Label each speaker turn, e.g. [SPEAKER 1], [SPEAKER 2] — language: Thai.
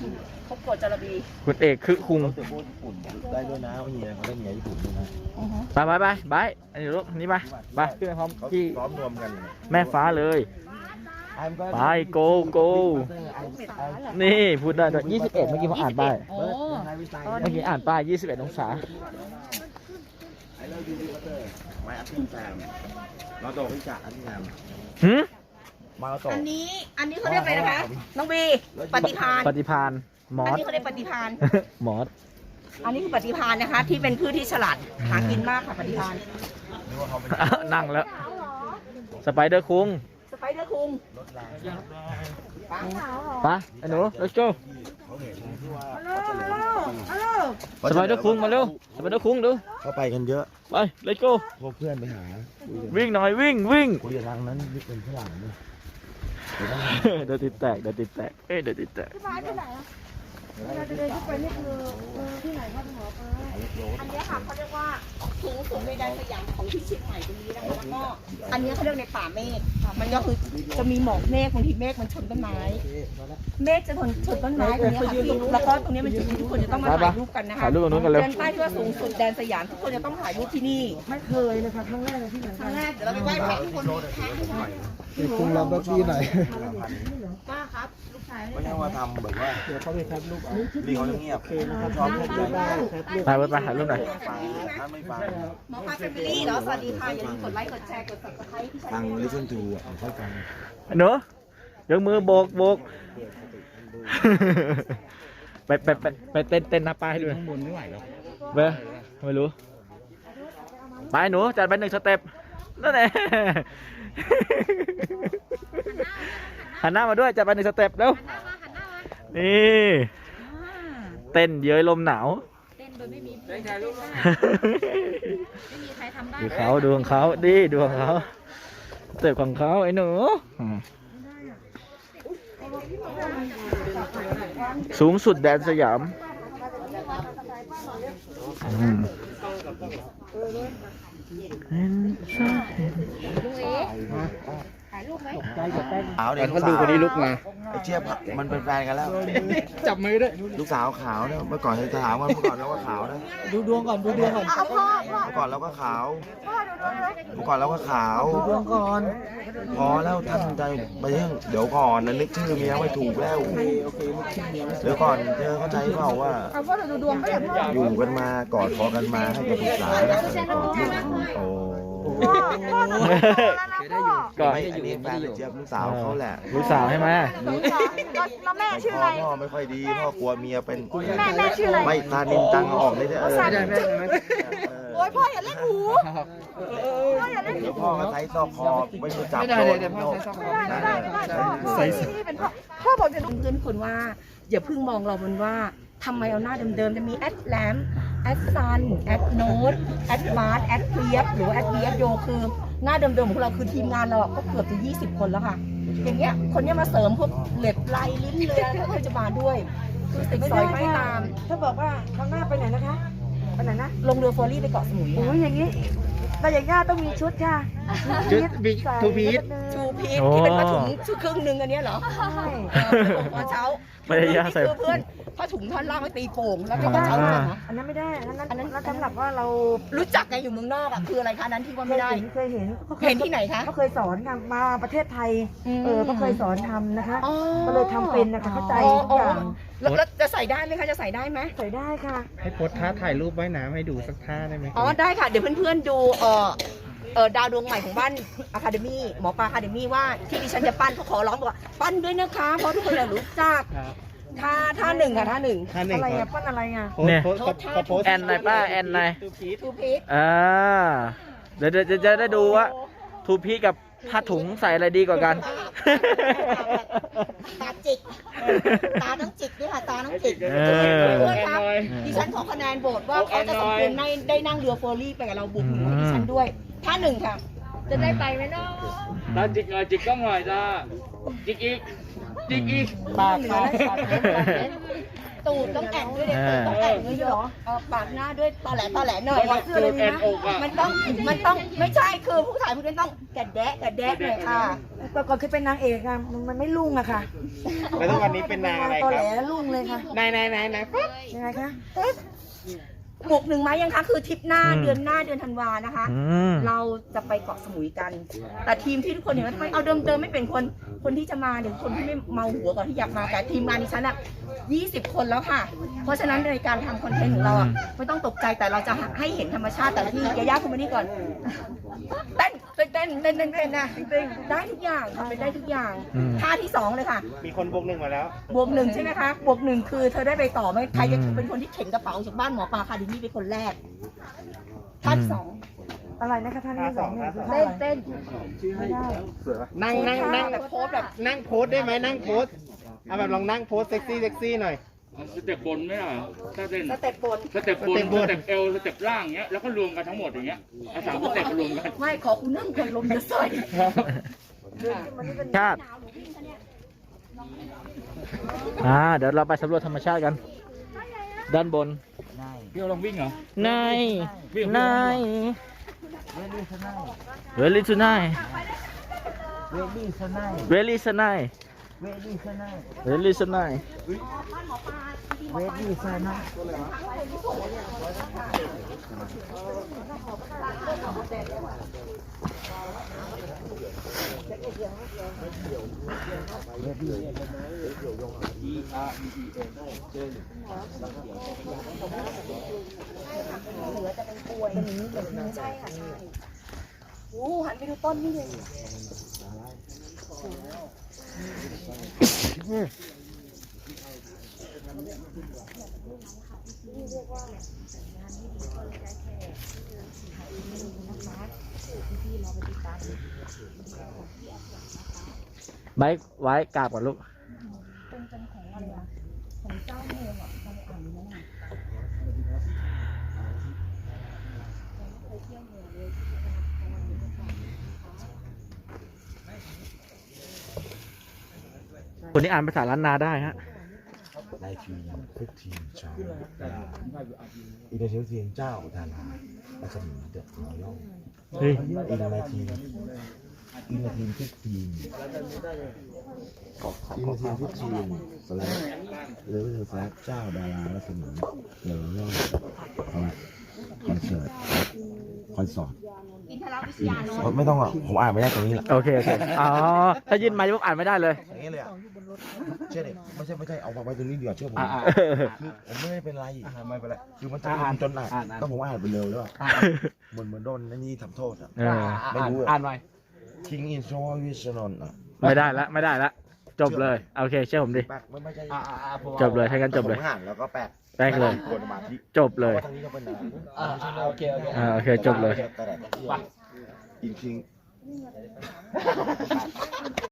[SPEAKER 1] ครบโกดจระบี
[SPEAKER 2] คุณเอกคือคุง
[SPEAKER 3] เขาจะพูดญี่ปุ่นได้ด้วยนะเฮียเขาได้เฮียญี่ปุ่นด้วยนะ
[SPEAKER 2] ไปอันนี้ลูกนี่ไปขึ้นไปพร้อม
[SPEAKER 3] เขา
[SPEAKER 2] ที่
[SPEAKER 3] ซ้อมรวมกัน
[SPEAKER 2] แม่ฟ้าเลย ไปโกนี่พูดได้ด้วย21เมื่อกี้ผมอ่านป้าย
[SPEAKER 1] โอ้
[SPEAKER 2] เมื่อกี้อ่านป้าย21 องศา
[SPEAKER 3] ไม่อัพพิมแซมเราโตพิจารณ์อัพพิมแซม
[SPEAKER 2] หืม
[SPEAKER 3] มาเราโต
[SPEAKER 1] อันนี้เขาเรียกอะไรนะคะ น้องบีปฏิภาณ
[SPEAKER 2] ปฏิพานมอ
[SPEAKER 1] อัน
[SPEAKER 2] ส
[SPEAKER 1] นี้เขาเรียกปฏิภาณ
[SPEAKER 2] มอส
[SPEAKER 1] อันนี้คือปฏิภาณนะคะ ที่เป็นพืชที่ฉลาดหากินมากค่ะปฏิภาณ
[SPEAKER 2] นั่งแล้ว สไปเดอร์คุง
[SPEAKER 1] สไปเดอร์คุง
[SPEAKER 2] ไปไอ้หนู let's go สไปเดอร์คุงมาเร็วสไปเดอร์คุงดู
[SPEAKER 3] เขาไปกันเยอะ
[SPEAKER 2] ไป let's go
[SPEAKER 3] พวกเพื่อนไปหา
[SPEAKER 2] วิ่งหน่อยวิ่ง
[SPEAKER 3] คุยกับทางนั้นนี่เป็นฝรั่งนี่
[SPEAKER 2] เดี๋ยวติดแตกเดี๋ยวติดแตกเดี๋ยวติดแตก
[SPEAKER 1] อันนี้ค่ะเขาเรียกว่าสูงสุดในแดนสยามของที่เชียงใหม่ตรงนี้นะคะแล้วก็อันนี้เขาเรียกในป่าเมฆมันก็คือจะมีหมอกเมฆบางทีเมฆมันชนต้นไม้เมฆจะชนต้นไม้ตรงนี้ค่ะพี่แล้วก็ตรงนี้เป็นจุดที่ทุกคนจะต้องมาถ่ายรูปกันนะคะ
[SPEAKER 2] ถ่ายรูปตรงนู้นกันเร็ว
[SPEAKER 1] เดินป้ายที่ว่าสูงสุดแดนสยามทุกคนจะต้องถ่ายรูปที่นี่
[SPEAKER 4] ไม่เคยนะคะครั้งแรกเลยที่เหมือน
[SPEAKER 1] ค
[SPEAKER 4] กั
[SPEAKER 1] รั้
[SPEAKER 4] น
[SPEAKER 1] งแรกเดี๋ยวเราไปไหว้พระทุกคน
[SPEAKER 4] คุณลำบากที่ไหน
[SPEAKER 1] ป้าครับลูกชาย
[SPEAKER 3] ไม่ใช่ว่าทำแบบว่า
[SPEAKER 4] เดี๋ยวเขาไปครับลูก
[SPEAKER 3] นี่เขาเงียบชอบเพื่อนเยอะ
[SPEAKER 2] ไปถ่ายรูปหน่อย
[SPEAKER 3] ฟังท่านไม่ฟัง
[SPEAKER 1] หมอพาแฟมิลี่เหรอสวัสดีค่ะอย่าลืมกดไลค์กดแชร์กด subscribe ที่ช่
[SPEAKER 3] ฟั
[SPEAKER 1] อง ง
[SPEAKER 3] listen to อ่ะค่อยฟัง
[SPEAKER 2] หนูยกมือโบก ไปเต้นหน้าป้ายให้ดูข้างบนไม่ไหวแล้วเบ้ไม่รู้ ไปหนูจัดไป1 สเต็ปนั่นแหละหันหน้ามาด้วยจัดไป1 สเต็ปเร็วนี่เต้นเย้ยลมหนาว
[SPEAKER 5] เต้นโดยไม่มีไม่มีใครทำได้
[SPEAKER 2] ดูเขาดูของเขาดิดูของเขาสเต็ปของเขาไอ้หนูสูงสุดแดนสยาม
[SPEAKER 3] ขาวเด็ก
[SPEAKER 2] เขาดูคนนี้ลุกมา
[SPEAKER 3] ไอ้เจี๊ยบมันเป็นแฟนกันแล้ว
[SPEAKER 2] จับมือด้วย
[SPEAKER 3] ลูกสาวขาวเนี่ยเมื่อก่อนจะถามว่าเมื่อก่อนเราก็ขาวนะ
[SPEAKER 4] ดูดวงก่อนดูดวงก่อน
[SPEAKER 3] เมื่อก่อนเราก็ขาวเมื่อก่อนเราก็ขาว
[SPEAKER 4] ดูดวงก่อน
[SPEAKER 3] พอแล้วท่านใจไปเดี๋ยวก่อนนะนึกชื่อเมียไม่ถูกแล้วเดี๋ยวก่อนเธอเข้าใจเปล่าว่าอยู่กันมากอดคอกันมาให้กับปรึกษาโอ้
[SPEAKER 2] ก่อน
[SPEAKER 3] ไม่อันนี้แฟนเจี๊ยบลูกสาวเขาแหละ
[SPEAKER 2] ลูกสาวใช่ไหม
[SPEAKER 5] แล้วแม่ชื่ออะไร
[SPEAKER 3] พ่อไม่ค่อยดีพ่อกลัวเมียเป็น
[SPEAKER 5] แม่ชื่ออะไร
[SPEAKER 3] ไม่ตานินตังออกเลยเนี่ย
[SPEAKER 5] โอ้ยพ่ออย่าเล่นหูพ่ออย่าเล่นหู
[SPEAKER 3] เดี๋ยวพ่อก็ใช้ซอกคอไม่รู้จับโดนโยก
[SPEAKER 1] ใส่ที่เป็นพ่อบอกจะดูเพื่อนคนว่าอย่าเพิ่งมองเราบนว่าทำไมเอาหน้าเดิมๆจะมีแอดแลมแอดซันแอดโนดแอดมาร์แอดเฟียบหรือว่าแอดเบียบโยคือหน้าเดิมๆของเราคือทีมงานเราก็เกือบจะ20 คนแล้วค่ะ อย่างเงี้ยคนเนี้ยมาเสริมพวกเล็บลายลิ้นเรือเขาจะมาด้วยคือติดสอยไม่ตาม
[SPEAKER 4] ถ้าบอกว่าครั้งหน้าไปไหนนะคะไปไหนนะ
[SPEAKER 1] ลงเรือเฟอร์รี่ไปเกาะสมุย
[SPEAKER 4] โอ้ยอย่างนี้แต่อย่างย่าต้องมีชุดค่ะ
[SPEAKER 2] ชุดบิ๊กทูพีท
[SPEAKER 1] ชูพีทที่เป็นผ้าถุงชุดครึ่งหนึ่งอันเนี้ยเหรอ
[SPEAKER 4] ใช่
[SPEAKER 1] ตอนเช้า
[SPEAKER 2] ไม่ได้ย่าใส่
[SPEAKER 1] คือเพื่อนผ้าถุงท่อนล่างไว้ตีโป่งแล้วก็ตอนเช้าเลยนะ
[SPEAKER 4] อันนั้นไม่ได้อันนั้นสำหรับว่าเรา
[SPEAKER 1] รู้จักไงอยู่เมืองนอกอ่ะคืออะไรคะนั้นที่ว่าไม่ได้
[SPEAKER 4] เคยเห็น
[SPEAKER 1] เห็นที่ไหนคะ
[SPEAKER 4] ก็เคยสอนค่ะมาประเทศไทยก็เคยสอนทำนะคะ
[SPEAKER 1] อ๋อ
[SPEAKER 4] ก็เลยทำเป็นนะคะเข้าใจทุกอย่าง
[SPEAKER 1] แล้วจะใส่ได้ไหมคะจะใส่ได้ไหม
[SPEAKER 4] ใส่ได้ค่ะ
[SPEAKER 2] ให้โพสท่าถ่ายรูปว่ายน้ำให้ดูสักท่าได้ไหม
[SPEAKER 1] อ๋อได้ค่ะเดี๋ยวเพื่อนๆดูดาวดวงใหม่ของบ้านอะคาเดมี่หมอปลาอะคาเดมี่ว่าที่ดิฉันจะปั้นเขาขอร้องบอกว่าปั้นด้วยนะคะเพราะทุกคนรู้จักท่าหนึ่งค่ะท่าหนึ่ง
[SPEAKER 4] อะไรอ่ะปั้นอะไรอ่ะ
[SPEAKER 2] เนี่ย
[SPEAKER 1] โพสท่าทู
[SPEAKER 2] แอนหน่อยป้าแอนหน่อย
[SPEAKER 1] พีท
[SPEAKER 2] เดี๋ยวจะได้ดูว่าทูพีกับผ้าถุงใส่อะไรดีกว่ากัน
[SPEAKER 1] ตาจิกตาต้องจิกด้วยค่ะตาต้องจิก
[SPEAKER 2] เออ
[SPEAKER 1] เพื่อนครับดิฉันขอคะแนนโหวตว่าเขาจะสมควรได้นั่งเรือเฟอร์รี่ไปกับเราบุกหนุนดิฉันด้วยท่าหนึ่งค่ะ
[SPEAKER 5] จะได้ไปไหมเนาะ
[SPEAKER 6] ตาจิกหน่อยจิกกล้องหน่อยจ้าจิกอีกจิกอีก
[SPEAKER 2] ปาก
[SPEAKER 1] ตูดต้องแอนด้วยเด็กต้องแอนด้วยเหรอปากหน้าด้วยตอแหลหน่อย
[SPEAKER 4] เสื้อเลยดีนะ
[SPEAKER 1] มันต้องไม่ใช่คือผู้ชายพวกนี้ต้องกระแดะหน่อยค่ะ
[SPEAKER 4] แต่ก่อนเคยเป็นนางเอกอะมันไม่รุ่งอะค่ะ
[SPEAKER 6] แล้วทุกวันนี้เป็นนางอะไร
[SPEAKER 4] ตอ
[SPEAKER 6] ค
[SPEAKER 4] แหล
[SPEAKER 6] รับ
[SPEAKER 4] รุ่งเลยค่ะ
[SPEAKER 6] นายปั๊บ
[SPEAKER 4] ยังไงคะ
[SPEAKER 1] หมวก1 ไม้ยังคะคือทริปหน้าเดือนธันวานะคะ
[SPEAKER 2] อืม
[SPEAKER 1] เราจะไปเกาะสมุยกัน แต่ทีมที่ทุกคนเห็นว่าทำไมเอาเดิมไม่เป็นคนที่จะมาหรือคนที่ไม่เมาหัวก่อนที่อยากมาแต่ทีมงานดิฉันอะ20 คนแล้วค่ะ เพราะฉะนั้นในการทำคอนเทนต์ของเราอะไม่ต้องตกใจแต่เราจะให้เห็นธรรมชาติแต่ละที่ยาย่าคุณมานี่ก่อนเต้นนะได้ทุกอย่างทำไปได้ทุกอย่างท่าที่2เลยค่ะ
[SPEAKER 6] มีคนบวกหนึ่งมาแล้ว
[SPEAKER 1] บวก 1ใช่ไหมคะบวก 1คือเธอได้ไปต่อไหมใครจะเป็นคนที่เข็นกระเป๋าจากบ้านหมอปลาคาดินี่เป็นคนแรกท่าที่2
[SPEAKER 4] อะไรนะคะท่านที่สองเนี่ยคือ
[SPEAKER 1] เต้น
[SPEAKER 4] ไม่ได้
[SPEAKER 6] นั่งแบบโพสแบบนั่งโพสได้ไหมนั่งโพสเอาแบบลองนั่งโพสเซ็กซี่หน่อย
[SPEAKER 7] สเต็ปบนไม่ได้เหรอถ้าเต้น
[SPEAKER 1] สเต็ปบน
[SPEAKER 7] สเต็ปบนสเต็ปเอวสเต็ปล่างเงี้ยแล้วก็รวมกันทั้งหมดอย่างเงี้ยเอาสามสเต็ปมารวมกัน
[SPEAKER 1] ไม่ขอคุณนั่งคนลมจะใส่
[SPEAKER 2] ชาติเดี๋ยวเราไปสำรวจธรรมชาติกัน ด้านบน
[SPEAKER 7] พี่เอาลองวิ่งเหรอ
[SPEAKER 2] นายเวลี่สนายเวลี่สนาย
[SPEAKER 1] โอ้หันไปดูต้นนี่เลย
[SPEAKER 2] ไว้กราบก่อนลูก คนนี้อ่านภาษาล้านนาได้ฮะ
[SPEAKER 3] ในทีมทุกทีมชาวอีเดเชียทีมเจ้าดาราและสมุนเดอะรอยัล
[SPEAKER 2] เฮ้ย
[SPEAKER 3] อีในทีมทุกทีมทุกทีมสแลกหรือสแลกเจ้าดาราและสมุนเดอะรอยัลคอนเสิร์ตไม่ต้องอ่ะผมอ่านไม่ได้ตรงนี้แหละ
[SPEAKER 2] โอเค อ๋อ ถ้ายื่นไมาปุ๊บอ่านไม่ได้เลย
[SPEAKER 3] อย่างนี้เลยอ่ะเชื่อดิไม่ใช่เอาไว้ตรงนี้เดียวเชื่อผมคือผมไม่ได้เป็นไรไม่เป็นไรคือมันจะอ่านจนอ่านต้องผมอ่านไปเร็วแล้วเหมือนโดนนี่ทำโทษอ่ะไม่รู้อ่านไว้ทิ้งอินโทรวิชนนอ่ะ
[SPEAKER 2] ไม่ได้ละ จบเลย โอเค เชื่อผมดิ
[SPEAKER 3] ไม่ใช่
[SPEAKER 2] จบเลยให้กันจบเลย
[SPEAKER 3] ผมอ่านแล้วก็แปลก
[SPEAKER 2] แป้งเลย
[SPEAKER 3] กวนสมาธิ
[SPEAKER 2] จบเลย
[SPEAKER 3] ทางนี้ก็เป็น
[SPEAKER 6] โอเค
[SPEAKER 2] โอเค จบเลย
[SPEAKER 3] จริง